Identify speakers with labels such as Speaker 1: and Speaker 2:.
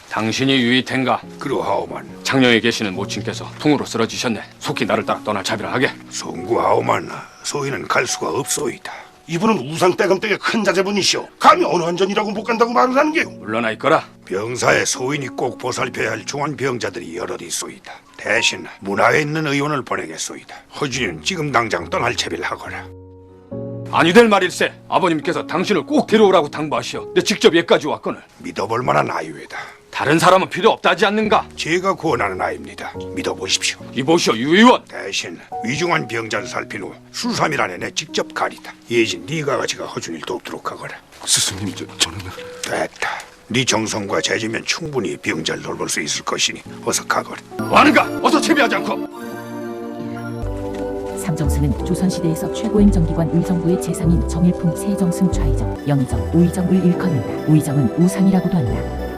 Speaker 1: 당신이 유이텐가?
Speaker 2: 그러하오만
Speaker 1: 장녀에 계시는 모친께서 풍으로 쓰러지셨네. 속히 나를 따라 떠날 자비를 하게.
Speaker 2: 송구하오만 소인은 갈 수가 없소이다.
Speaker 3: 이분은 우상떼감댁의 큰 자제분이시오. 감히 어느 한전이라고 못 간다고 말을 하는 게요.
Speaker 1: 물러나 있거라.
Speaker 2: 병사에 소인이 꼭 보살펴야 할 중한 병자들이 여럿 있소이다. 대신 문화에 있는 의원을 보내겠소이다. 허준이는 지금 당장 떠날 채비를 하거라.
Speaker 1: 아니 될 말일세. 아버님께서 당신을 꼭 데려오라고 당부하시어 내 직접 예까지 왔거늘.
Speaker 2: 믿어볼 만한 아이외다.
Speaker 1: 다른 사람은 필요 없다지 않는가?
Speaker 2: 제가 구원하는 아이입니다. 믿어보십시오.
Speaker 1: 이보시오 유 의원.
Speaker 2: 대신 위중한 병자를 살핀 후 수삼일 안에 내 직접 가리다. 예진 네가 가지가 허준이를 돕도록 하거라.
Speaker 3: 스승님, 저는...
Speaker 2: 됐다. 네 정성과 재주면 충분히 병자를 돌볼 수 있을 것이니 어서 가거라.
Speaker 1: 뭐하는가? 어서 채비하지 않고.
Speaker 4: 삼정승은 조선시대에서 최고 행정기관 의정부의 재상인 정일품 세정승 좌의정, 영의정, 우의정을 일컫는다. 우의정은 우상이라고도 한다.